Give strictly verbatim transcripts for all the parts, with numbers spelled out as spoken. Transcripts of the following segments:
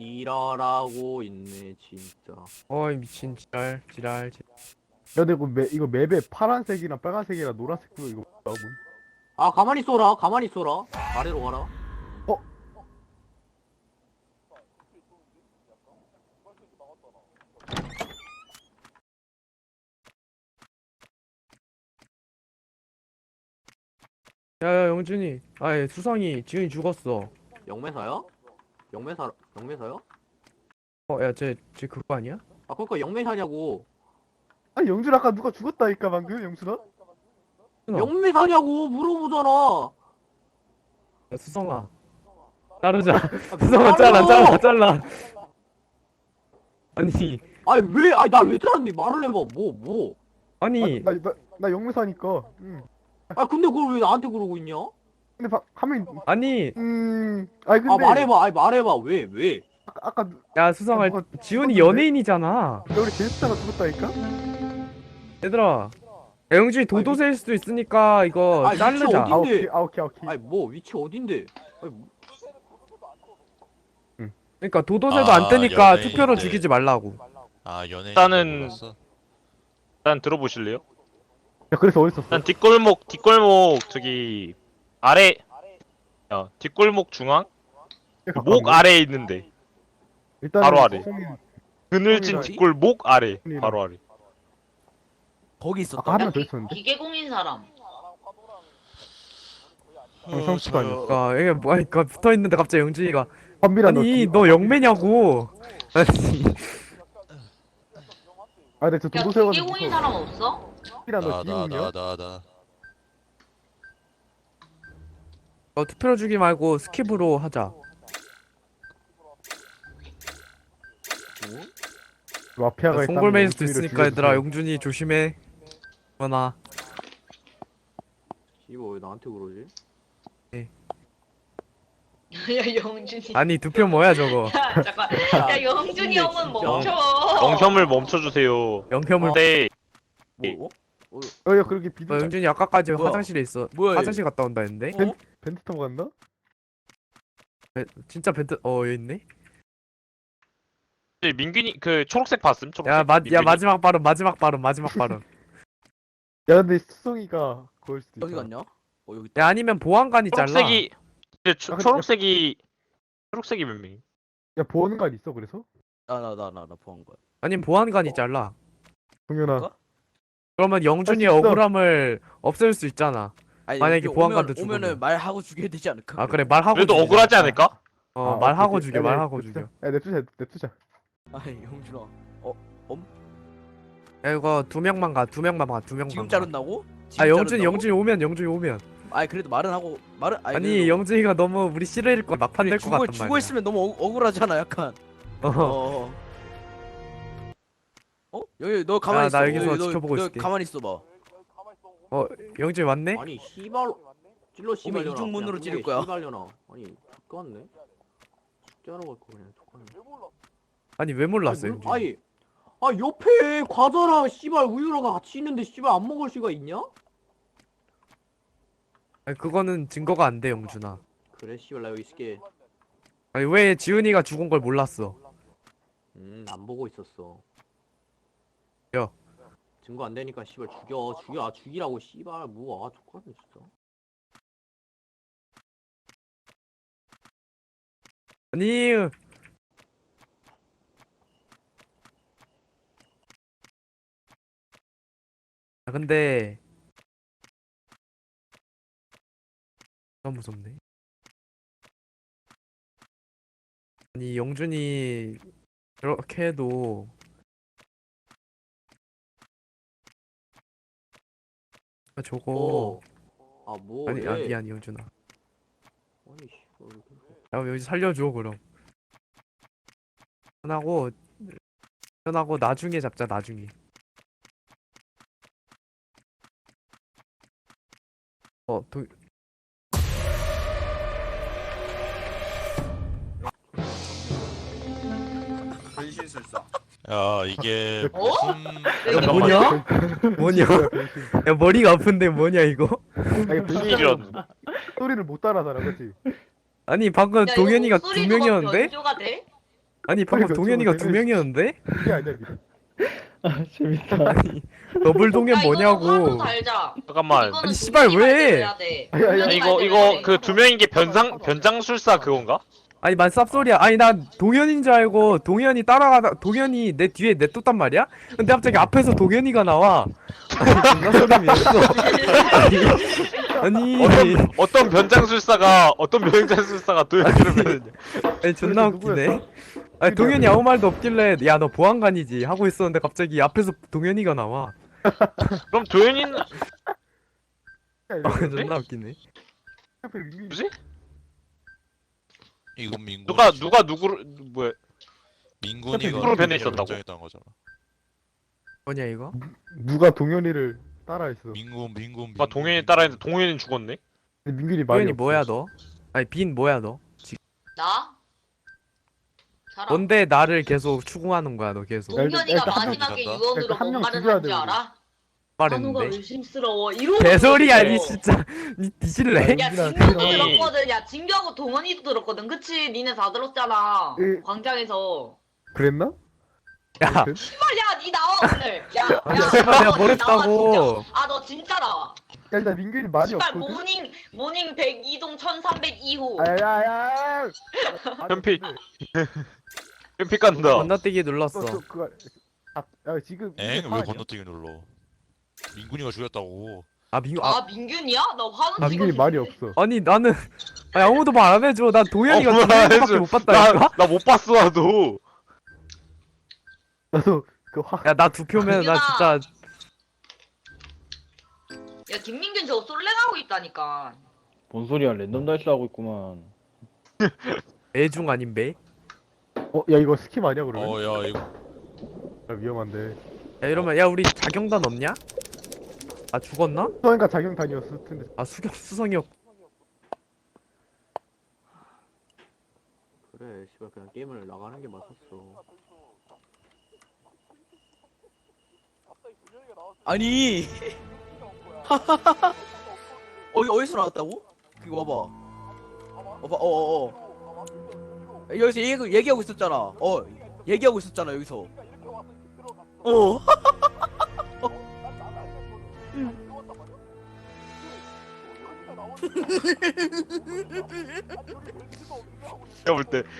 지랄하고 있네 진짜. 어이 미친 지랄 지랄 지랄. 야 근데 이거, 맵, 이거 맵에 파란색이랑 빨간색이랑 노란색도 이거 뭐야? 아 가만히 쏘라 가만히 쏘라. 아래로 가라. 어? 야야 영준이 아예 수성이 지훈이 죽었어. 영매사야? 영매사 영매사야? 어야쟤쟤 그거 아니야? 아 그러니까 영매사냐고. 아니 영준 아까 누가 죽었다니까 방금 영준아? 수성아. 영매사냐고 물어보잖아. 야, 수성아 자르자. 아, 수성아 잘라 잘라 잘라. 아니 아니 왜? 아니 나 왜 잘랐니? 말을 해봐. 뭐 뭐? 아니 나, 나, 나 영매사니까. 응. 아 근데 그걸 왜 나한테 그러고 있냐? 근데 바, 하면 아니 음. 아니 근데 아 말해봐. 아니 말해봐. 왜 왜? 아까, 아까 야 수성아 아, 뭐가 지훈이 죽었는데? 연예인이잖아. 야, 우리 제스타가 죽었다니까? 얘들아 야, 영준이 도도새일 수도 있으니까 이거 아니, 자르자. 어디- 아 어딘데? 오케이 아 오케이 오케이. 아니 뭐 위치 어딘데? 아니, 뭐- 그러니까 도도새도 아, 안 뜨니까 연예인인데. 투표로 죽이지 말라고. 아 연예인 일단은- 몰랐어? 일단 들어보실래요? 야 그래서 어디 있었어? 일단 뒷골목 뒷골목 저기 아래 야 뒷골목 중앙 목 아래에 있는데 일단 바로 아래. 송이- 그늘진 어디? 뒷골목 아래 송이랑. 바로 아래. 거기 있었다. 아까 한 명 더 있었는데? 기계공인 사람. 어, 성수가 아니었어. 그러니까 이게 뭐 그러니까 붙어 있는데 갑자기 영준이가 범비라 아니 너 영매냐고. 아니 아 근데 저 야, 도도새가 기계공인 사람 없어? 범비라 너 나 나 기공이야? 나 나 나 너 투표로 주기 말고 스킵으로 하자. 마피아가 있다면 송골매일 수도 영준이를 있으니까 얘들아 죽여주세요. 영준이 조심해. 그러나 이거 왜 나한테 그러지? 야 영준이. 아니 투표 뭐야 저거. 야 잠깐. 야 영준이 근데 형은 진짜. 멈춰. 영혐을 멈춰주세요. 영혐을. 근데 뭐? 어, 야 그렇게 비둘 어, 영준이 아까까지 뭐야? 화장실에 있어. 뭐야, 얘? 화장실 갔다 온다 했는데. 어? 벤트 타고 간다? 에, 진짜 벤트 어 여기 있네. 민균이 그 초록색 봤음? 초록색. 야, 마, 야 민균이? 마지막 발언 마지막 발언 마지막 발언. 야 근데 수성이가 그걸 수도 있어. 여기 갔냐? 어 여기. 야 아니면 보안관이 잘라. 초록색이 근데 초, 아, 근데- 초록색이 초록색이 몇 명이? 야 보안관 있어 그래서? 나나 나 나 나 보한 거야. 아니면 보안관이 잘라. 동현아 그럴까? 그러면 영준이의 할수 있어. 억울함을 없앨 수 있잖아. 아니, 만약에 여기 보안관도 오면, 죽으면. 오면은 말하고 죽여야 되지 않을까? 아 그래 말하고. 그래도 죽이자. 억울하지 않을까? 어 아, 말하고 오케이, 죽여 오케이. 야, 말하고 냅두자. 죽여. 야 냅두자 냅두자. 아니 영준아. 야 이거 두 명만 가 두 명만 가 두 명만. 지금 가. 자른다고? 지금 아 영준이 자른다고? 영준이 오면 영준이 오면. 아니 그래도 말은 하고 말은 아니, 아니 그래도- 영준이가 너무 우리 싫어일 거 막판 될 것 죽어 같단 죽어 말이야. 있으면 너무 억, 억울하잖아 약간. 어. 어. 어? 여기 너 가만히 야, 있어. 나 여기서 여기 너- 지켜보고 너 있을게. 가만히 있어봐. 어 영준이 왔네? 아니 씨발 찔러 씨발려나. 이중 문으로 그냥 찌를 이게 거야. 씨발려나. 아니 똑같네. 숙제하러 갈거 그냥 똑같네. 아니 왜 몰랐어 아니, 영준이? 물- 아니 아 옆에 과자랑 씨발 우유랑 같이 있는데 씨발 안 먹을 수가 있냐? 아니 그거는 증거가 안 돼 영준아. 그래 씨발 나 여기 있을게. 아니 왜 지훈이가 죽은 걸 몰랐어? 음안 보고 있었어. 야. 증거 안 되니까 씨발 죽여 죽여 아 죽이라고 씨발 뭐아 똑같네 진짜. 아니 아 근데 너무 무섭네. 아니 영준이 그렇게 해도 아 저거 아 뭐? 아니 왜? 아니 아니 영준아 아니 씨발 왜 그래. 야 여기 살려줘 그럼. 편하고 편하고 나중에 잡자 나중에. 어 도... 야 이게 어? 무슨 내가 뭐냐? 뭐냐? 야 머리가 아픈데 뭐냐 이거? 아니 변신 이런 소리를 못 따라하잖아 그치? 아니 방금 야, 이거 동현이가 두 목소리가 명이었는데? 변조가 돼? 아니 방금 그러니까 동현이가 저거 두 되게- 명이었는데? 그게 아니야 이게. 아 재밌다. 아니 더블 동현 야, 이거는 화도 뭐냐고. 달자. 잠깐만. 이거는 아니, 씨발, 동현이가 왜? 해줘야 돼. 아니, 아니, 동현이가 아니, 이거 해줘야 이거 돼. 그 두 명인 게 변상 변장술사 그건가? 아니 만 쌉소리야. 아니 난 동현인 줄 알고 동현이 따라가다 동현이 내 뒤에 냅뒀단 말이야? 근데 갑자기 앞에서 동현이가 나와. 아니 존나 소름이었어. 아니 아니, 어떤 어떤 변장술사가 어떤 변장술사가 도현이를 배느냐? 아니 존나 그래서 웃기네. 누구였어? 아니 동현이 아무 말도 없길래 야 너 보안관이지 하고 있었는데 갑자기 앞에서 동현이가 나와. 그럼 도현이는 아, 존나 웃기네. 뭐지? 이건 민군. 누가 누가 누구를 뭐야? 민군이가 누구를 배내셨다고? 결정했다는 거잖아. 뭐냐 이거? 누가 동현이를 따라했어. 민군 민군. 누가 동현이 따라했는데 동현이는 죽었네? 근데 민균이 말이 동현이 없어. 뭐야 너? 아니 빈 뭐야 너? 나? 사람. 뭔데 나를 계속 추궁하는 거야 너 계속? 일단- 동현이가 일단 한 마지막에 명 유언으로 일단 한명 뭔 말을 죽여야 한줄 돼, 알아? 한우가 말했는데. 의심스러워. 이러고 개소리야 있어. 니 진짜 니 뒤질래? 야 민균아, 진경도 민균아. 들었거든. 야 진경하고 동원이도 들었거든. 그치? 니네 다 들었잖아. 예. 광장에서. 그랬나? 야 아무튼. 씨발 야니 나와 오늘. 야, 야, 씨발, 내가 나와, 뭐랬다고. 아 너 진짜 나와. 야, 일단 민균이 말이 씨발 없거든. 모닝 모닝 백이 동 천삼백이 호. 아야야야. 현피. 현피 깐다. 건너뛰기 눌렀어. 너, 저, 그거 아, 야 지금 엥? 이게 왜 파악이야? 건너뛰기 눌러? 민군이가 죽였다고. 아 민규 아 아 민균이야? 나 화는 아, 민균이 말이 없어. 아니 나는 아니 아무도 말 안 해줘. 난 동현이가 어, 두 말안 명밖에 해줘. 못 봤다니까. 나 못 봤어 나도. 나도 그 화. 야 나 두 표면 나 진짜 야 김민균 저거 솔랭하고 있다니까. 뭔 소리야? 랜덤 다이스 하고 있구만. 애중 아닌 배? 어, 야 이거 스킵 아니야 그러면? 어야 이거 야, 위험한데. 야 이러면 야 우리 자경단 없냐? 아 죽었나? 수성이가 자경단이었을 텐데. 아 수경 수성이었. 그래 씨발 그냥 게임을 나가는 게 맞았어. 아니 어디 어디서 나왔다고? 그거 봐봐. 봐봐 어어어 여기서 얘기, 얘기하고 있었잖아. 어 얘기하고 있었잖아 여기서. 어 내가 볼 때.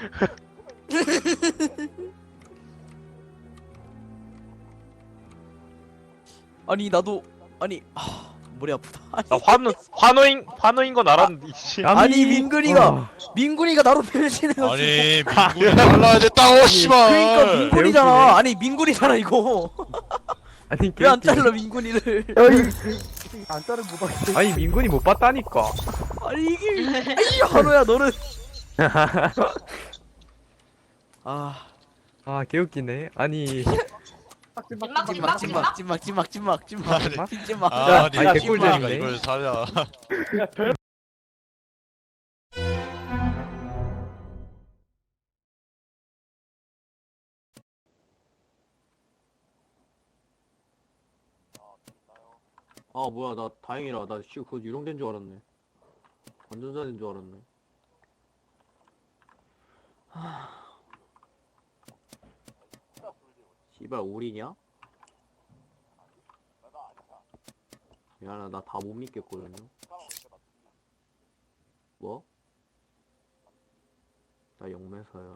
아니 나도 아니 아 머리 아프다. 아니, 나 환호 환호인 환호인 건 알았는데. 이씨. 아니, 민근이가 어. 민군이가 나로 변신해가지고. 아니 민군이 달라야 됐다고 씨발. 그러니까 민군이잖아. 아니 민군이잖아 이거. 아니 왜 안 개웃기네. 잘라 민군이를? 야 이, 안 자른 못 봤어. 아니 민군이 못 봤다니까. 아니 이게 아니 한호야 너는. 아 아 개웃기네. 아니 찐막 찐막 찐막 찐막 찐막. 찐막 찐막 찐막 찐막 아니, 찐막. 아, 아니 야, 민군이가 개꿀잼이네. 이걸 사냐? 아 뭐야 나 다행이라 나 씨 그거 유령된 줄 알았네. 완전자인 줄 알았네. 하... 씨발 오리냐? 미안하 나 다 못 믿겠거든요. 뭐? 나 영매사야.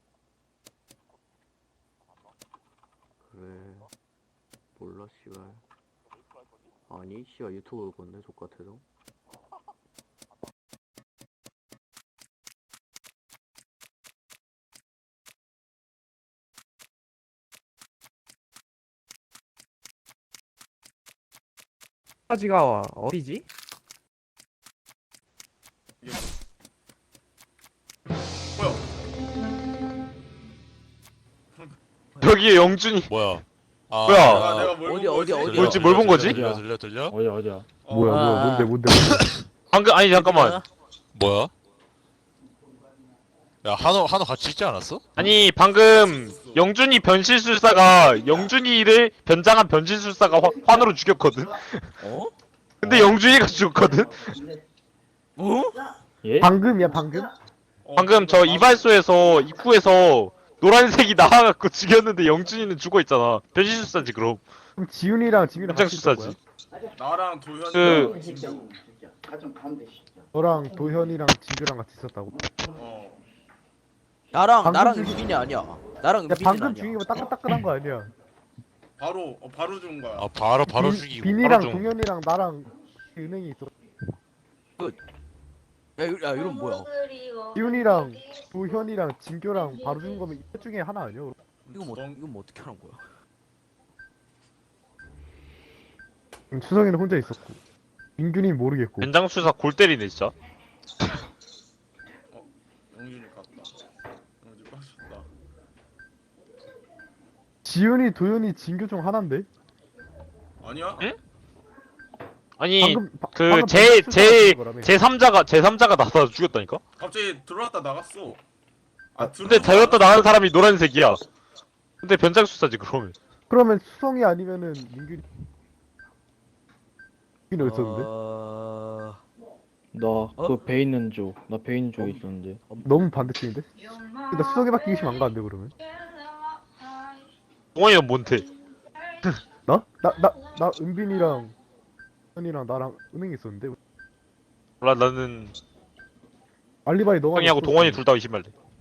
그래 몰라 씨발. 아니 씨발 유튜브 볼 건데 족같아서. 까지가 어디지? 여기에 영준이. 뭐야? 아, 뭐야? 아, 어디 어디 어디. 들려, 뭐지, 뭘 본 거지? 들려 들려 들려? 어디야 어디야? 뭐야 뭐야 아. 뭔데 뭔데. 방금 아니 잠깐만. 뭐야? 야 한호 한호 같이 있지 않았어? 아니 방금 영준이 변신술사가 영준이를 변장한 변신술사가 화, 환으로 죽였거든. 어? 근데 영준이가 죽었거든. 어? 예? 방금이야 방금? 방금 저 이발소에서 입구에서 노란색이 나와갖고 죽였는데 영준이는 죽어있잖아. 변신술사지 그럼. 그럼 지훈이랑 지민이랑 같이 있던 거야? 변장술사지. 나랑 도현이 그- 진규. 너랑 도현이랑 진규랑 같이 있었다고? 어. 나랑 방금 나랑 중에- 은빈이 아니야. 나랑 야 은빈이 방금 아니야. 중이면 따끈따끈한 거 아니야? 바로 어, 바로 준 거야. 아 바로 바로 빈- 죽이고. 빈이랑 바로 중. 동현이랑 나랑 은행이 있어. 야, 이- 야 이건 뭐야? 지훈이랑 도현이랑 진규랑 바로 준 거면 이셋 중에 하나 아니야? 이거 뭐 넌- 이건 뭐 어떻게 하는 거야? 그럼 추성이는 혼자 있었고 민균이 모르겠고 변장술사 골 때리네 진짜. 영준이 갔다. 영준 빠졌다. 지훈이 도현이 진규 중 하나인데? 아니야? 응? 아니 방금 바- 그 방금 제 방금 제 출석한 거라며. 제삼자가 제삼자가 나서 죽였다니까? 갑자기 들어왔다 나갔어. 아 근데 들었다 나간 사람이 노란색이야. 근데 변장술사지 그러면. 그러면 수성이 아니면은 민균이 민균이 어디 있었는데? 어... 나 그 배 있는 쪽, 나 배 있는 쪽에 있었는데. 너무 반대쪽인데? 근데 수성이밖에 의심 안 가는데 그러면? 동원이는 뭔데? 나? 나, 나, 나 은빈이랑 현이랑 나랑 은행이 있었는데 몰라 나는 알리바이 너가 형이하고 없었어. 동원이 둘 다 의심할래.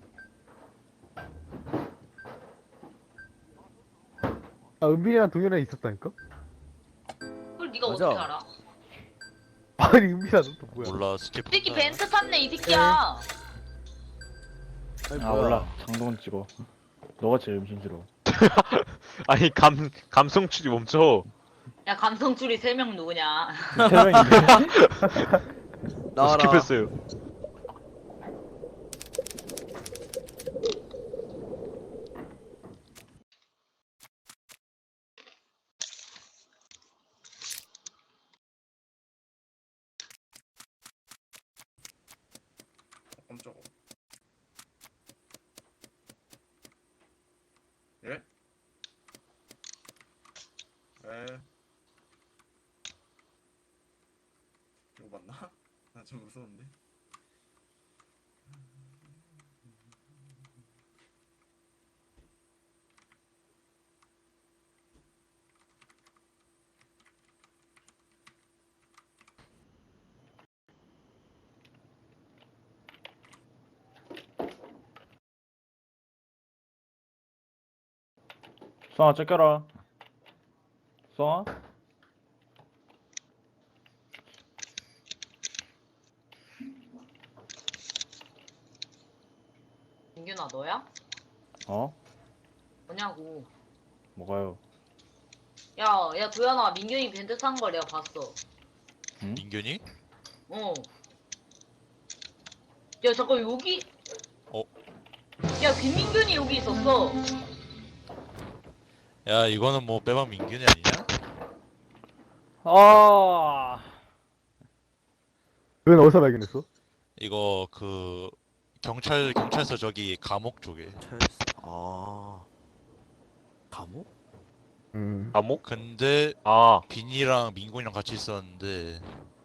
아 은빈이랑 동현이랑 있었다니까? 그걸 네가 맞아. 어떻게 알아? 아니 은빈아 너 또 뭐야? 몰라 스케프. 이 새끼 벤트 탔네 이 새끼야. 아니, 아 뭐야. 몰라. 장동원 찍어. 너가 제일 음심스러워. 아니 감 감성 추리 멈춰. 야 감성줄이 세 명 누구냐? 세 명인데. 나와라. 스킵했어요. 깜짝아. 예? 에. 이거 맞나? 나 좀 무서운데. 수아가 쫓겨라. 수아? 민균아 너야? 어? 뭐냐고. 뭐가요? 야, 야 도현아 민균이 벤트 탄 걸 내가 봤어. 민균이? 어. 야 잠깐 여기. 어? 야 김민균이 여기 있었어. 야 이거는 뭐 빼박 민균이 아니냐? 아. 넌 어디서 발견했어? 이거 그 경찰 경찰서 저기 감옥 쪽에. 아 감옥? 음 감옥? 근데 아 빈이랑 민gun이랑 같이 있었는데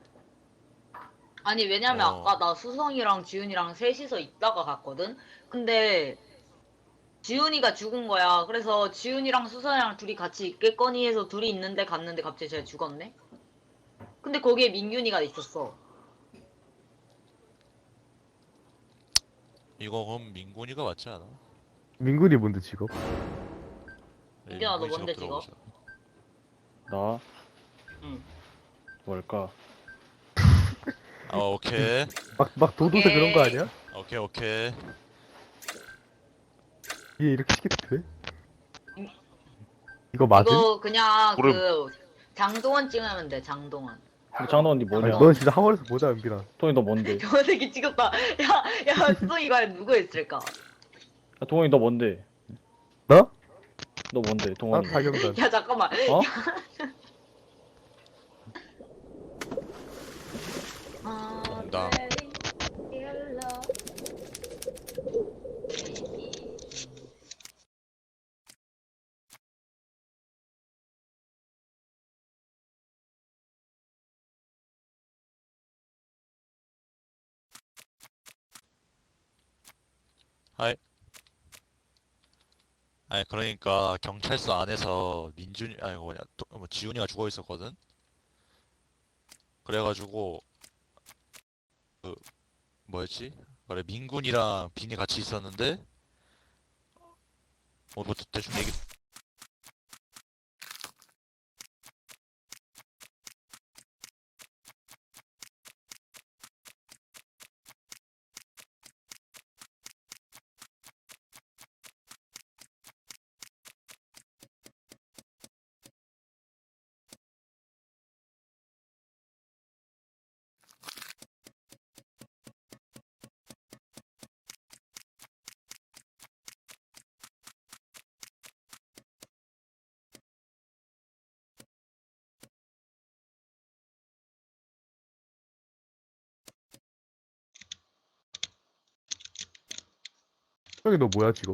아니 왜냐면 어. 아까 나 수성이랑 지훈이랑 셋이서 있다가 갔거든. 근데 지훈이가 죽은 거야. 그래서 지훈이랑 수성이랑 둘이 같이 있겠거니 해서 둘이 있는데 갔는데 갑자기 쟤 죽었네. 근데 거기에 민균이가 있었어. 이거 그럼 민gun이가 맞지 않아? 민균이 뭔데 직업? 민균아, 너 민gun이 뭔데, 직업 직업? 들어보자. 나? 응. 뭘까? 아 오케이 막, 막 도도새 그런 거 아니야? 오케이 오케이. 얘 이렇게 시켜도 돼? 음. 이거 맞음? 이거 그냥 모름. 그 장동원 찍으면 돼. 장동원. 근데 장동원 니 아니, 뭐냐? 넌 진짜 하원에서 보자 은빈아. 동원이 너 뭔데? 저 새끼 찍었다. 야, 야, 수성이 과연 누구였을까? 야, 동원이 너 뭔데? 나? 너 뭔데? 난 동원이. 박영단. 야, 잠깐만. 어? 농담. 하이. 아니 그러니까 경찰서 안에서 민준이 아니 뭐냐 또, 뭐 지훈이가 죽어 있었거든. 그래가지고 그 뭐였지? 그래 민군이랑 빈이 같이 있었는데 뭐뭐 대충 얘기 형이 너 뭐야 지금?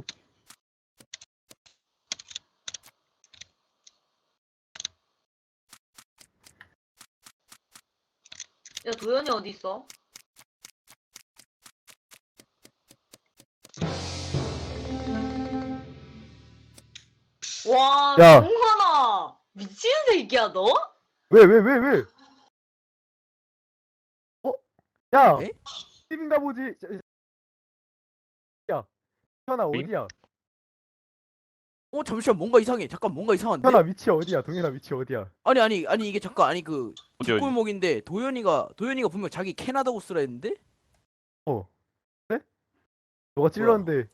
야 도현이 어디 있어? 와 야. 동환아 미친 새끼야 너? 왜 왜 왜 왜? 어? 야! 에? 팀인가 보지? 야 현아 응? 어디야? 어 잠시만 뭔가 이상해. 잠깐 뭔가 이상한데? 현아 위치 어디야? 동현아 위치 어디야? 아니 아니 아니 이게 잠깐 아니 그 어디 어디? 뒷골목인데 도현이가 도현이가 분명 자기 캐나다 고스라 했는데? 어 그래? 너가 찔렀는데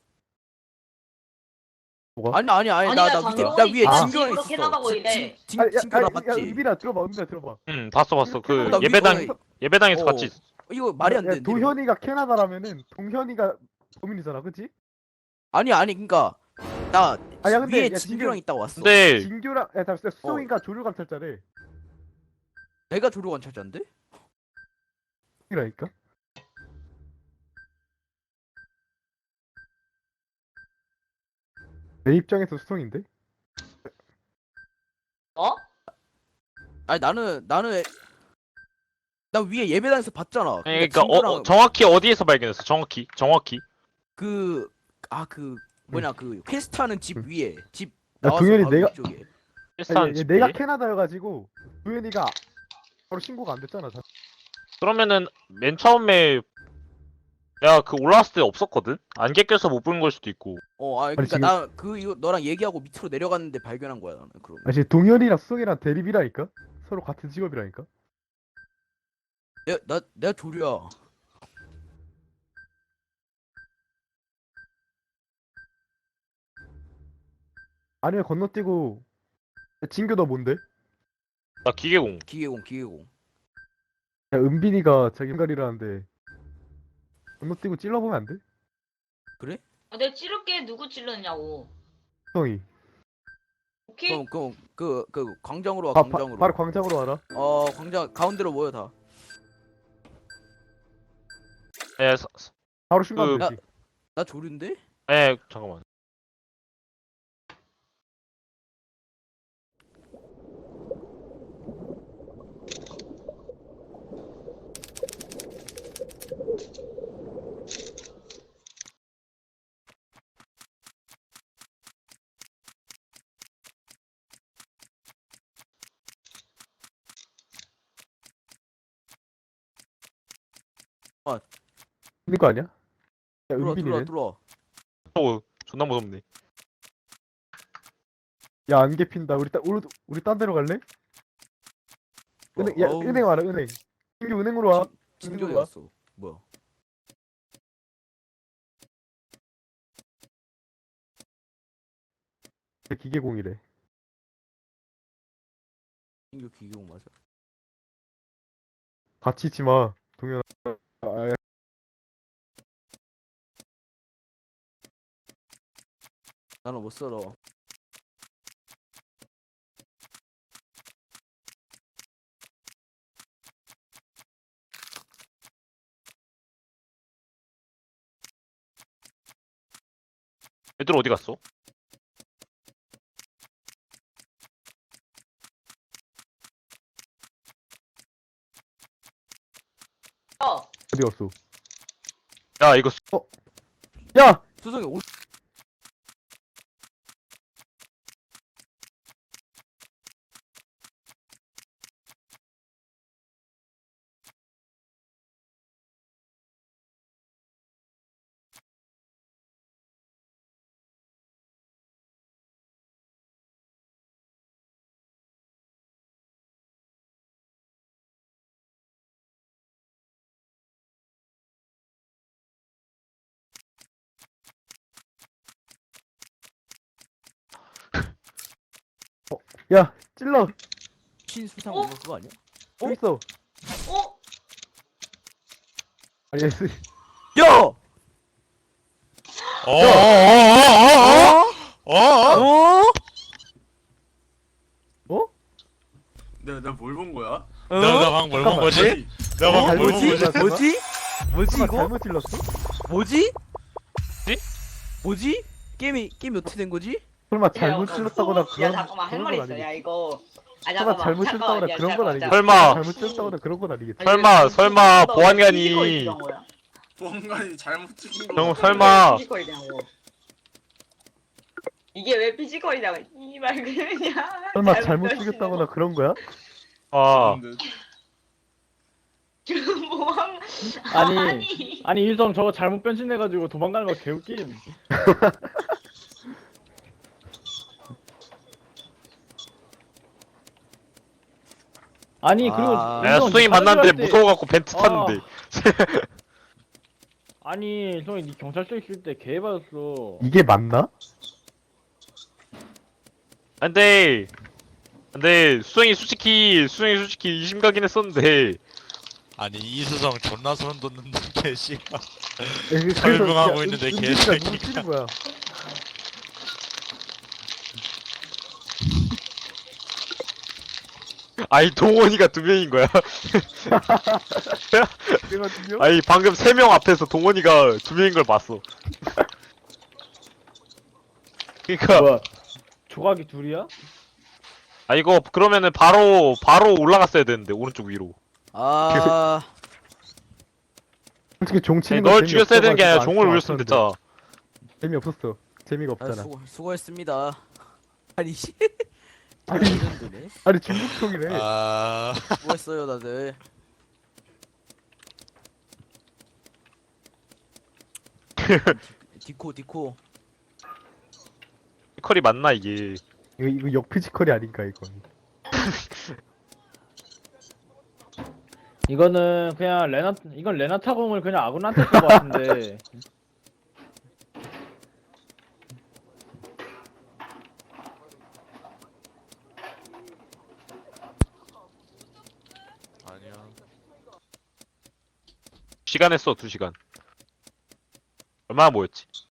뭐가? 아니 아니 아니 아니야, 나 나 위에 나 장동건이 위에 아. 진규랑 집으로 있었어. 캐나다 진- 보이래. 진- 아니, 야, 진규랑 아니, 야, 맞지? 은빈아 들어봐 은빈아 들어봐. 응 봤어 봤어. 그 나 위- 예배당 어, 예배당에서 어. 같이 있- 이거 말이 안 야, 되는데. 이거. 도현이가 캐나다라면은 동현이가 도민이잖아, 그치? 아니 아니 그니까 나 아니야, 근데 위에 야, 진규랑 지금- 있다고 왔어. 근데 진규랑 야 잠시만 수성이가 조류 감찰자래. 내가 조류 관찰자인데? 이라니까? 내 입장에서 수성인데? 어? 아니 나는 나는 나 위에 예배당에서 봤잖아. 아니, 그러니까 어, 진규랑 어, 정확히 어디에서 발견했어? 정확히 정확히. 그 아 그 뭐냐 그 퀘스트하는 집 위에 집 야, 나와서 동현이 바로 내가- 위쪽에. 일산 아니, 얘- 집에? 내가 캐나다여가지고 도현이가 바로 신고가 안 됐잖아. 자- 그러면은 맨 처음에 내가 그 올라왔을 때 없었거든? 안개 껴서 못 본 걸 수도 있고. 어, 아 아니, 그러니까 지금- 나 그 이거 너랑 얘기하고 밑으로 내려갔는데 발견한 거야 나는 그럼. 아, 지금 동현이랑 수성이랑 대립이라니까? 서로 같은 직업이라니까? 내가 나 내가 조류야. 아니면 건너뛰고 야, 진규 너 뭔데? 나 기계공. 기계공 기계공. 야 은빈이가 자기 인갈이라는데 건너뛰고 찔러보면 안 돼? 아, 내가 찌를게 누구 찔렀냐고. 수성이 오케이? 그럼 그럼 그 그 광장으로 와 바, 바, 광장으로. 바로 광장으로 와라. 어 광장 가운데로 모여 다. 예, 사- 사- 바로 신고하면 그- 되지. 나 조류인데? 예, 잠깐만. 있는 거 아니야? 야 들어와 들어와 은빈이는? 들어와. 어, 존나 무섭네. 야 안개 핀다. 우리 따, 우리, 우리 딴 데로 갈래? 은행 야 어우, 은행 와라 은행. 진규 은행으로 와. 진규 어디 와. 갔어? 뭐야? 기계공이래. 진규 기계공 맞아. 같이 있지 마. 동현아. 아, 야, 나는 못 살아. 애들 어디 갔어? 어. 어디 갔어? 야, 이거 수- 야! 수성이 오 야 찔러. 신수상 어? 이거 그거 아니야? 여기 있어. 어? 아니 S 야! 어어어어어어어 어? 내가 내가 뭘 본 거야? 내가 내가 방금 뭘본 거지? 내가 방금 잘못 뭘본 거지? 찔렀어? 뭐지? 뭐지 설마 이거? 잘못 찔렀어? 뭐지? 뭐지? 뭐지? 게임이 게임이 어떻게 된 거지? 설마 야, 잘못 야, 찔렀다거나 야 그런 잠깐만 할 그런 말 건 있어. 아니겠지? 야 이거. 아 설마 잠깐만. 잘못 잠깐만, 찔렀다거나 야, 그런 건 잠깐만, 아니겠지? 설마. 잘못 찔렀다거나 그런 건 아니겠지? 아니, 설마, 왜 설마 피지컬이 보안관이- 피지컬이 거야? 보안관이 잘못 찍은 거. 형, 같아. 설마. 피지컬이냐고. 이게 왜 피지컬이냐고. 이말 그냥. 설마 잘못 찔렸다거나 그런 거야? 아 근데 지금 뭐한 아니 아니. 아니 일성 저거 잘못 변신해가지고 도망가는 거 개웃김. 아니 그리고 아. 내가 일성 수성이 다른 만났는데 줄 알았대. 무서워갖고 벤트 아. 탔는데 아니 일성이 니 경찰서 있을 때 개 받았어. 이게 맞나? 근데 근데 수성이 솔직히 수성이 솔직히 의심가긴 했었는데 아니 이수성 존나 소름 돋는데 씨발. 그래서 설명하고 야, 있는데 은- 은빈이가 개새끼가. 누구 찌른 거야? 아니 동원이가 두 명인 거야. 그래가지고 아니 방금 세 명 앞에서 동원이가 두 명인 걸 봤어. 그니까 뭐야? 조각이 둘이야? 아 이거 그러면은 바로 바로 올라갔어야 되는데 오른쪽 위로. 아 솔직히 종 아니, 치는 거 널 죽였어야 되는 게 아니라 종을 올렸으면 됐 됐잖아. 재미없었어. 재미가 아, 없잖아. 수고, 수고했습니다. 아니 씨. 아니 레전드네. 아니 중국총이래. 아 수고했어요 다들. 디코 디코. 피컬이 맞나 이게? 이거 이거 역피지컬이 아닌가 이거. 이거는 그냥 레나 이건 레나타 공을 그냥 아군한테 쓴 거 같은데. 아니야. 시간 했어 두 시간. 얼마나 모였지?